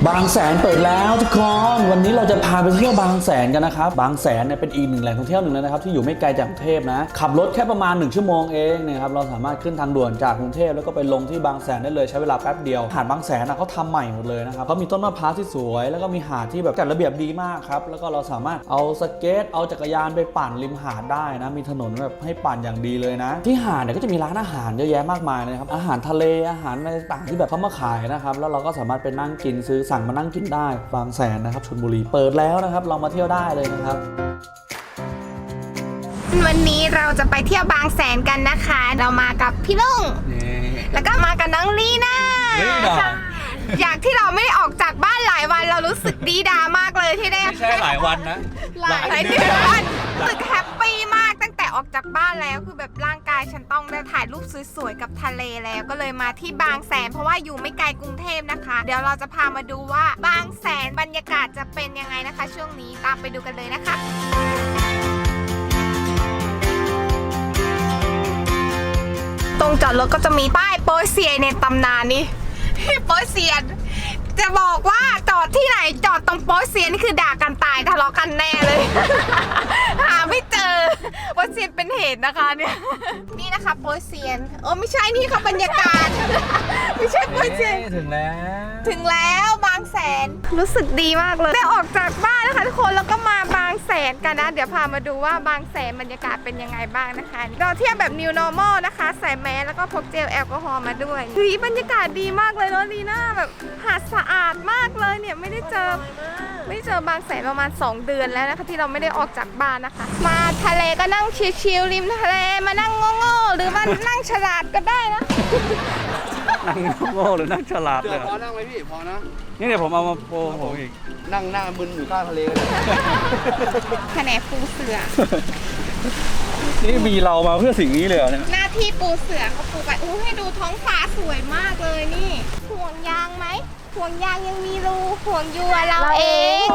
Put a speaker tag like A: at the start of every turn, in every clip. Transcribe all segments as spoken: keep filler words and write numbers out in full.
A: บางแสนเปิดแล้วทุกคนวันนี้เราจะพาไปเที่ยวบางแสนกันนะครับบางแสนเนี่ยเป็นอีกหนึ่งแหล่งท่องเที่ยวหนึ่งเลยนะครับที่อยู่ไม่ไกลจากกรุงเทพนะขับรถแค่ประมาณหนึ่งชั่วโมงเองนะครับเราสามารถขึ้นทางด่วนจากกรุงเทพแล้วก็ไปลงที่บางแสนได้เลยใช้เวลาแป๊บเดียวหาดบางแสนนะเขาทำใหม่หมดเลยนะครับเขามีต้นมะพร้าวที่สวยแล้วก็มีหาดที่แบบจัดระเบียบดีมากครับแล้วก็เราสามารถเอาสเก็ตเอาจักรยานไปปั่นริมหาดได้นะมีถนนแบบให้ปั่นอย่างดีเลยนะที่หาดเนี่ยก็จะมีร้านอาหารเยอะแยะมากมายเลยครับอาหารทะเลอาหารอะไรต่างๆที่แบบเขามาขายนะครับแล้วเราก็สามารถไปนั่งกินซื้อสั่งมานั่งกินได้บางแสนนะครับชลบุรีเปิดแล้วนะครับเรามาเที่ยวได้เลยนะครับ
B: วันนี้เราจะไปเที่ยวบางแสนกันนะคะเรามากับพี่ลุงแล้วก็มากับน้องลีน่าอยากที่เราไม่ได้ออกจากบ้านหลายวันเรารู้สึกดีดามากเลยที่ได้
A: ไม่ใช่หลายวันนะ
B: หลายเดือนรู้สึกแฮปปี้มากตั้งแต่ออกจากบ้านแล้วคือแบบร่างกายฉันต้องได้ถ่ายรูปสวยๆกับทะเลแล้วก็เลยมาที่บางแสนเพราะว่าอยู่ไม่ไกลกรุงเทพนะคะเดี๋ยวเราจะพามาดูว่าบางแสนบรรยากาศจะเป็นยังไงนะคะช่วงนี้ตามไปดูกันเลยนะคะตรงจอดรถก็จะมีป้ายโป๊ยเซียในตำนานนี้โป๊ยเซียนจะบอกว่าจอดที่ไหนจอดตรงโป๊ยเซียนนี่คือด่ากันตายทะเลาะกันแน่เลย หาไม่เจอโป๊ยเซียนเป็นเหตุนะคะเนี่ยนี่นะคะโป๊ยเซียนโอ้ไม่ใช่นี่ค่ะบรรยากาศ ไม่ใช่โป๊ยเซียน
A: ถึงแล้ว
B: ถึงแล้วบางแสนรู้สึกดีมากเลยได้ออกจากบ้านนะคะทุกคนแล้วก็มาบางแสนกันนะเดี๋ยวพามาดูว่าบางแสนบรรยากาศเป็นยังไงบ้างนะคะเราเที่ยวแบบ New Normal นะคะใส่แมสแล้วก็พกเจลแอลกอฮอล์มาด้วยเฮ้ยบรรยากาศดีมากเลยเนาะลีน่าแบบหาดสะอาดมากเลยเนี่ยไม่ได้เจอไม่เจอบางแสนประมาณสองเดือนแล้วนะคะที่เราไม่ได้ออกจากบ้านนะคะมาทะเลก็นั่งชิลๆริมทะเลมานั่งโง่ๆหรือมานั่งฉลาดก็ได้นะ
A: นั่งโง่หรือนั่งฉลาดเลย
C: พอนั่งไหมพี่พอนะ
A: นี่เดี๋ยวผมเอามาโปรผมอีก
C: นั่งหน้ามึนอยู่ข้างทะเลกัน
B: แผนกปูเสือ
A: นี่มีเรามาเพื่อสิ่งนี้เลยเนี่ย
B: หน้าที่ปูเสือเขาปูไปอู้ให้ดูท้องฟ้าสวยมากเลยนี่ห่วงยางไหมห่วงยางยังมีรูห่วงยัวเราเอง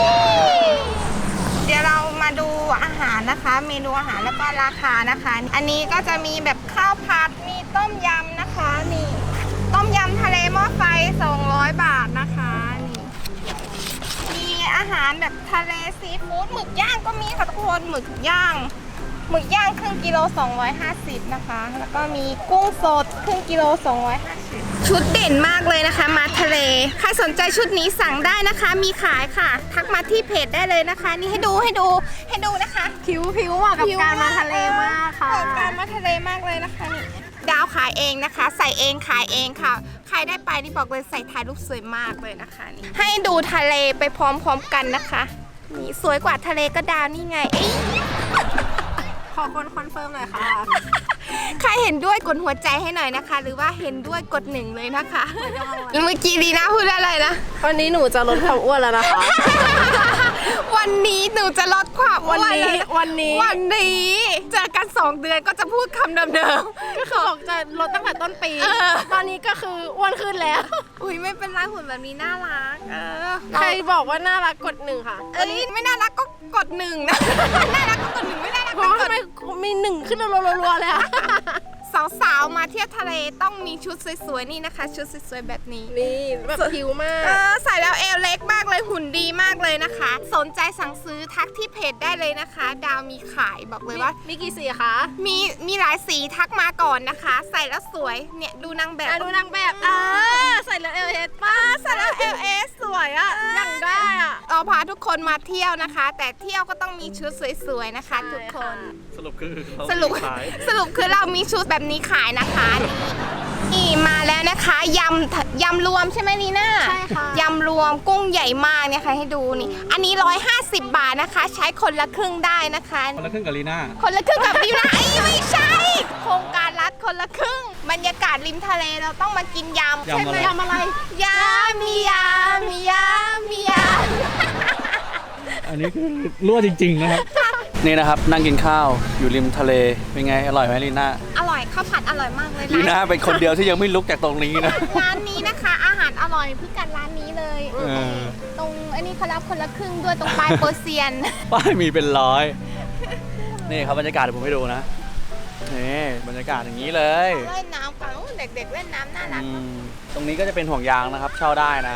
B: เดี๋ยวเรามาดูอาหารนะคะเมนูอาหารแล้วก็ราคานะคะอันนี้ก็จะมีแบบข้าวผัดมีต้มยำนะคะนี่ต้มยำทะเลหม้อไฟสองร้อยบาทนะคะนี่มีอาหารแบบทะเลซีฟู้ดหมึกย่างก็มีค่ะทุกคนหมึกย่างหมึกย่างครึ่งกิโลสองร้อยห้าสิบนะคะแล้วก็มีกุ้งสดครึ่งกิโลสองร้อยห้าสิบชุดเด่นมากเลยนะคะมาทะเลใครสนใจชุดนี้สั่งได้นะคะมีขายค่ะทักมาที่เพจได้เลยนะคะนี่ให้ดูให้ดูให้ดูนะคะ
D: ผิวผิวเหมาะกับการมาทะเลมากค่ะ
B: การมาทะเลมากเลยนะคะนี่ดาวขายเองนะคะใส่เองขายเองค่ะใครได้ไปนี่บอกเลยใส่ถ่ายรูปสวยมากเลยนะคะนี่ให้ดูทะเลไปพร้อมๆกันนะคะนี่สวยกว่าทะเลก็ดาวนี่ไง
D: ขอคนคอนเฟิร์มหน่อยค่ะ
B: ใครเห็นด้วยกดหัวใจให้หน่อยนะคะหรือว่าเห็นด้วยกดหนึ่งเลยนะคะเมื่อกี้ดีนะพูดอะไรนะ
D: วันนี้หนูจะลดความอ้วนแล้วนะคะ
B: วันนี้หนูจะลดความอ้วน
D: วันนี้วันนี้
B: วันนี้เจอกันสองเดือนก็จะพูดคำเดิม
D: ๆก็คือบอกจะลดตั้งแต่ต้นปีตอนนี้ก็คืออ้วนขึ้นแล้ว
B: อุ้ยไม่เป็นไรหุ่นแบบนี้น่ารักเออ
D: ใครบอกว่าน่ารักกดหนึ่งค่ะ
B: เอ้ยไม่น่ารักก็กดหนึ่งนะน่ารักก็กดหนึ่งไม่น่ารักก็กด
D: มีหนึ่งขึ้นรัวๆเลยอะ
B: สาวๆมาเที่ยวทะเลต้องมีชุดสวยๆนี่นะคะชุดสวยๆแบบนี้
D: นี่แบบผิวมาก
B: เออใส่แล้วเอวเล็กมากเลยหุ่นดีมากเลยนะคะสนใจสั่งซื้อทักที่เพจได้เลยนะคะดาวมีขายบอกเลยว่า
D: มีกี่สีคะ
B: มีมีหลายสีทักมาก่อนนะคะใส่แล้วสวยเนี่ยดูนางแบบ
D: ดูนางแบบเออใส่แล้วเอลเอสป้า
B: ใส่แล้วเอลเอสสวยอ่ะ
D: ยังได้อ่ะ
B: เอาพาทุกคนมาเที่ยวนะคะแต่เที่ยวก็ต้องมีชุดสวยๆนะคะทุกคน
A: สรุปคือ
B: สรุปสรุปคือเรามีชุดแบบนี้ขายนะคะนี่มาแล้วนะคะยำยำรวมใช่ไหมลีน่า
D: ใช่ค่ะ
B: ยำรวมกุ้งใหญ่มากเนี่ยค่ะให้ดูนี่อันนี้หนึ่งร้อยห้าสิบบาทนะคะใช้คนละครึ่งได้นะคะ
A: คนละครึ่งกับลีน่า
B: คนละครึ่งกับลีน่าไอ้ไม่ใช่โครงการรัฐคนละครึ่งบรรยากาศริมทะเลเราต้องมากินยำ
A: ใช่ไหม
D: ยำอะไร
B: ยำมียำมียำมีย
A: ำอันนี้คือรั่วจริงๆนะครับนี่นะครับนั่งกินข้าวอยู่ริมทะเลเป็นไงอร่อยไหมลีน่า
B: อร่อยข้าวผัดอร่อยมากเลย
A: ลีน่าเป็นคนเดียวที่ยังไม่ลุกจากตรงนี้นะ
B: ร้านนี้นะคะอาหารอร่อยพิกัดร้านนี้เลยตรงอันนี้เขารับคนละครึ่งด้วยตรงปลายโปรเซียน
A: ป้ายมีเป็นร้อยนี่ครับบรรยากาศเดี๋ยวผมให้ดูนะนี่บรรยากาศอย่างนี้เลย
B: เล่นน้ำกันเด็กๆเล่นน้ำน่ารัก
A: ตรงนี้ก็จะเป็นห่วงยางนะครับเช่าได้นะ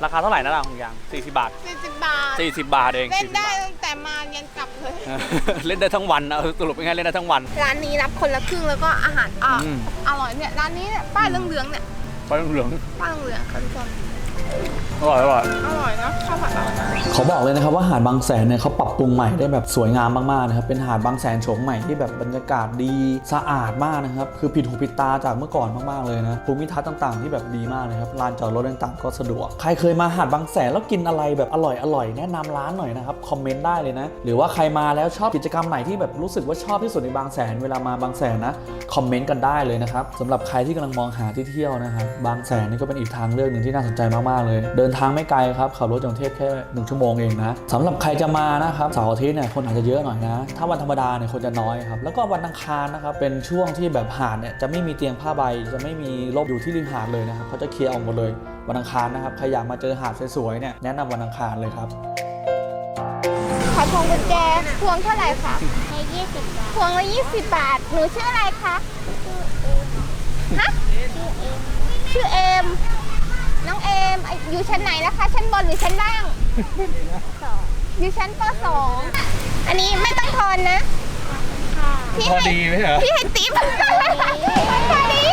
A: ราคาเท่าไหร่นะล่ะของยางสี่สิบบาท
B: สี่สิบบาท
A: สี่สิบบาทเอง
B: เล่น
A: สี่สิบ
B: ได้
A: บาท
B: ตั้งแต่มายันกลับเลย
A: เล่นได้ทั้งวันนะสรุปเป็นไงเล่นได้ทั้งวัน
B: ร้านนี้รับคนละครึ่งแล้วก็อาหารอ่ะ
A: อืม
B: อร่อยเนี่ยร้านนี้เนี่ยป้ายเหลืองๆเนี่ย
A: ไปเหลือง
B: ป้ายเหลืองๆค่ะทุกคน
A: อร่อยอร่อย
B: อร่อยเนาะข้าวผัดอร่อยนะ
A: เขาบอกเลยนะครับว่าหาดบางแสนเนี่ยเขาปรับปรุงใหม่ได้แบบสวยงามมากๆนะครับเป็นหาดบางแสนโฉมใหม่ที่แบบบรรยากาศดีสะอาดมากนะครับคือผิดหูผิดตาจากเมื่อก่อนมากๆเลยนะภูมิทัศน์ต่างๆที่แบบดีมากเลยครับลานจอดรถต่างๆก็สะดวกใครเคยมาหาดบางแสนแล้วกินอะไรแบบอร่อยอร่อยแนะนำร้านหน่อยนะครับคอมเมนต์ได้เลยนะหรือว่าใครมาแล้วชอบกิจกรรมไหนที่แบบรู้สึกว่าชอบที่สุดในบางแสนเวลามาบางแสนนะคอมเมนต์กันได้เลยนะครับสำหรับใครที่กำลังมองหาที่เที่ยวนะครับบางแสนนี่ก็เป็นอีกทางเลือกหนึ่งที่น่าสนใจมากๆเลยเดินทางไม่ไกลครับขับรถจากกรุงเทพแค่หนึ่งชั่วโมงเองนะสำหรับใครจะมานะครับเสาร์อาทิตย์เนี่ยคนอาจจะเยอะหน่อยนะถ้าวันธรรมดาเนี่ยคนจะน้อยครับแล้วก็วันอังคารนะครับเป็นช่วงที่แบบหาดเนี่ยจะไม่มีเตียงผ้าใบจะไม่มีร่มอยู่ที่ริมหาดเลยนะครับเขาจะเคลียร์ออกหมดเลยวันอังคารนะครับใครอยากมาเจอหาดสวยๆเนี่ยแนะนำวันอังคารเลยครับ
B: ขอพวงกุญแจพวงเท่าไหร่คะยี่สิบบาทพวงละยี่สิบบาทหนูชื่ออะไรคะฮะชื่อเอมน้องเอมอยู่ชั้นไหนนะคะชั้นบนหรือชั้นล่างอยู่ชั้นปสองอันนี้ไม่ต้องทอนนะพี่
A: พอ
B: ให้
A: ดีไหมเหรอ
B: พี่ให้ติ๊บพอดี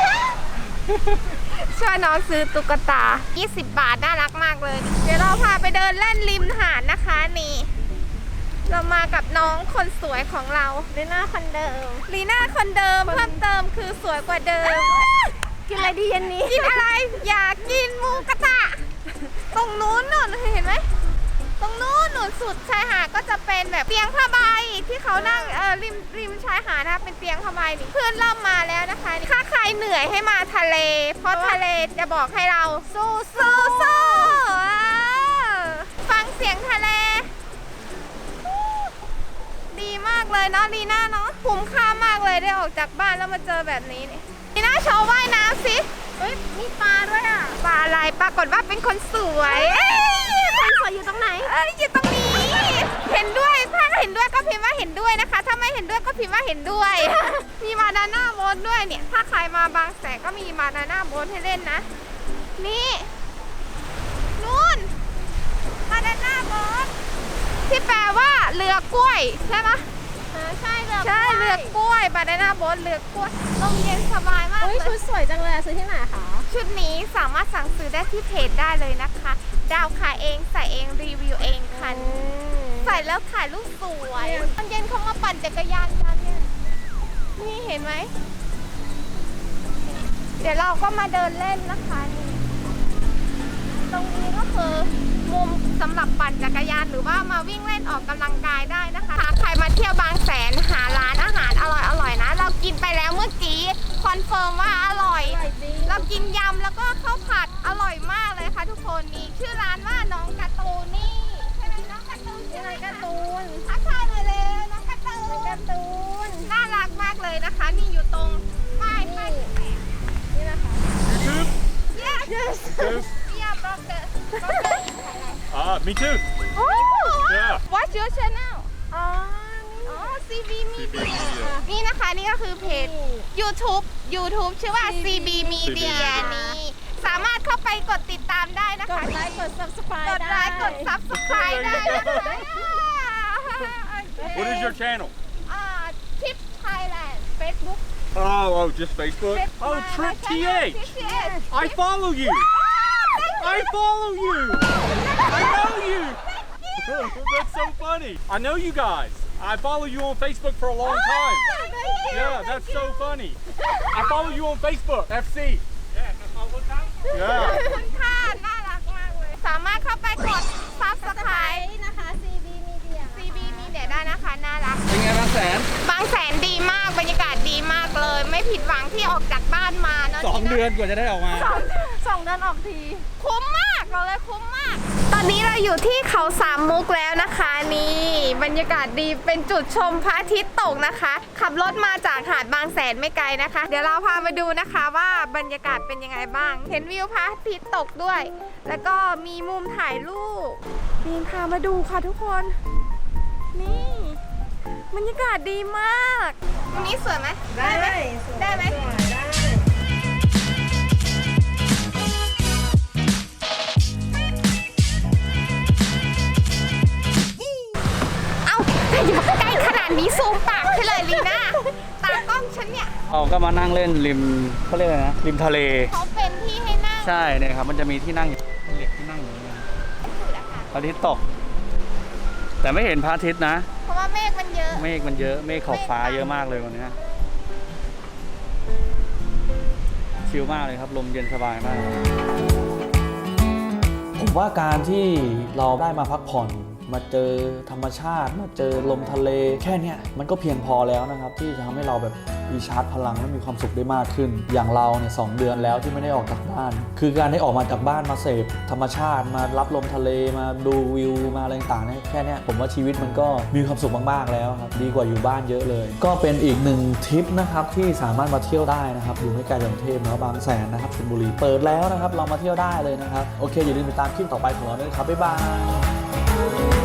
B: ช่วยน้องซื้อตุ๊กตายี่สิบบาทน่ารักมากเลย เดี๋ยวเราพาไปเดินเล่นริมหาดนะคะนี่เรามากับน้องคนสวยของเราลีน่าคนเดิมลีน่าคนเดิมเพิ่มเติมคือสวยกว่าเดิมกินอะไรดีเย็นนี้กินอะไรอยากกินหมูกระทะตรงนู้นนู่นเห็นไหมตรงนู้นหนุนสุดชายหาดก็จะเป็นแบบเตียงผ้าใบที่เขานั่งเออริมริมชายหาดนะคะเป็นเตียงผ้าใบนี่เพื่อนเริ่มมาแล้วนะคะถ้าใครเหนื่อยให้มาทะเล เพราะทะเลจะบอกให้เราสู้สู้สู้ฟังเสียงทะเลดีมากเลยเนาะลีน่าเนาะคุ้มค่ามากเลยได้ออกจากบ้านแล้วมาเจอแบบนี้นี่ลีน่าโชว์ว่ายน้ำสิเฮ้ยมีปลาด้วยอ่ะปลาอะไรปรากฏว่าเป็นคนสวยคนสวยอยู่ตรงไหนเอ้ยอยู่ตรงนี้เห็นด้วยถ้าเห็นด้วยก็พิมพ์ว่าเห็นด้วยนะคะถ้าไม่เห็นด้วยก็พิมพ์ว่าเห็นด้วย มีมาดาน่าโบ๊ทด้วยเนี่ยถ้าใครมาบางแสนก็มีมาดาน่าโบ๊ทให้เล่นนะนี่นู่นมาดาน่าโบ๊ทที่แปลว่าเรือกล้วยใช่ไหมใช่เรือใช่เรือกล้วยบานาน่าโบ๊ทเรือกล้วยลมเย็นสบายมากเลยชุดสวยจังเลยซื้อที่ไหนคะชุดนี้สามารถสั่งซื้อได้ที่เพจได้เลยนะคะดาวขายเองใส่เองรีวิวเองค่ะใส่แล้วถ่ายรูปสวยตอนเย็นเขามาปั่นจักรยานกันเนี่ยนี่เห็นไหมเดี๋ยวเราก็มาเดินเล่นนะคะนี่ตรงนี้ก็คือมุมสำหรับปั่นจักรยานหรือว่ามาวิ่งเล่นออกกำลังกายได้นะคะถ้าใครมาเที่ยวบางแสนหาร้านอาหารอร่อยๆนะเรากินไปแล้วเมื่อกี้คอนเฟิร์มว่าอร่อยเรากินยำแล้วก็ข้าวผัดอร่อยมากเลยค่ะทุกคนนี่ชื่อร้านว่าน้องการ์ตูนนี่ใช่ไหมน้องการ์ตูนชื่ออะไรการ์ตูนทักทายเลยเลยน้องการ์ตูนการ์ตูนน่ารักมากเลยนะคะนี่อยู่ตรงป้ายป้ายนี่นะคะ Yes Yes Yeah brother brother
E: Ah, me too.
B: Oh
E: Yeah.
B: What's your channel อ๋ออ๋อ ซี บี Media นี่นะคะนี่ก็คือเพจ YouTube YouTube ชื่อว่า ซี บี Media นี่สามารถเข้าไปกดติดตามได้นะคะ กดไลค์กด Subscribe กดไลค์กด Subscribe ได้นะคะ
E: What is your channel?
B: อ่า Tip Thailand Facebook
E: Oh, oh, just Facebook. Oh, Trip T H. I follow you. I follow you. I know you. That's so funny. I know you guys. I follow you on Facebook for a long time. Yeah, that's so funny. I follow you on Facebook. F C. Yeah.
B: คุณค่าน่ารักมากเลยสามารถเข้าไปกด Subscribe นะคะ ซี บี Media ซี บี Media ได้นะคะน่ารัก
C: เป็นไงบางแสน
B: บางแสนดีมากบรรยากาศดีมากเลย ไม่ผิดหวังที่ออกจากบ้านมาเนาะ
C: สองเดือนกว่าจะได้ออกมา
B: สองสองเดือนออกทีคุ้มมากเราเลยคุ้มมาก ตอนนี้เราอยู่ที่เขาสามมุกแล้วนะคะนี่บรรยากาศดีเป็นจุดชมพระอาทิตย์ตกนะคะ ขับรถมาจากหาดบางแสนไม่ไกลนะคะ เดี๋ยวเราพาไปดูนะคะว่าบรรยากาศเป็นยังไงบ้าง เห็นวิวพระอาทิตย์ตกด้วย แล้วก็มีมุมถ่ายรูปนี่พามาดูค่ะทุกคนนี่บรรยากาศดีมากตรงนี้สวยไหมได้ไหมได้ไหม
A: เราก็มานั่งเล่นริมเขาเรียกอะไรนะริมทะเล
B: เขาเป็นที่ให้นั่ง
A: ใช่เนี่ยครับมันจะมีที่นั่งเหล็กที่นั่งอยู่เนี่ย
B: สุดอะค่ะ
A: พระอาทิตย์ตก แต่ไม่เห็นพระอาทิตย์นะ
B: เพราะว่าเมฆมันเยอะ
A: เมฆมันเยอะเมฆขอบฟ้าเยอะมากเลยวันนี้ชิลมากเลยครับลมเย็นสบายมาก ผมว่าการที่เราได้มาพักผ่อนมาเจอธรรมชาติมาเจอลมทะเลแค่เนี้ยมันก็เพียงพอแล้วนะครับที่จะทำให้เราแบบมีชาร์จพลังและมีความสุขได้มากขึ้น อย่างเราเนี่ยสองเดือนแล้วที่ไม่ได้ออกจากบ้าน คือการได้ออกมาจากบ้านมาเสพธรรมชาติมารับลมทะเลมาดูวิวมาอะไรต่างๆเนี่ยแค่เนี้ยผมว่าชีวิตมันก็มีความสุขมากๆแล้วครับดีกว่าอยู่บ้านเยอะเลย ก็เป็นอีกหนึ่งทริปนะครับที่สามารถมาเที่ยวได้นะครับอยู่ไม่ไกลจากกรุงเทพนะบางแสนนะครับชลบุรีเปิดแล้วนะครับเรามาเที่ยวได้เลยนะครับโอเคอย่าลืมติดตามคลิปต่อไปของเราด้วยครับบ๊ายบาย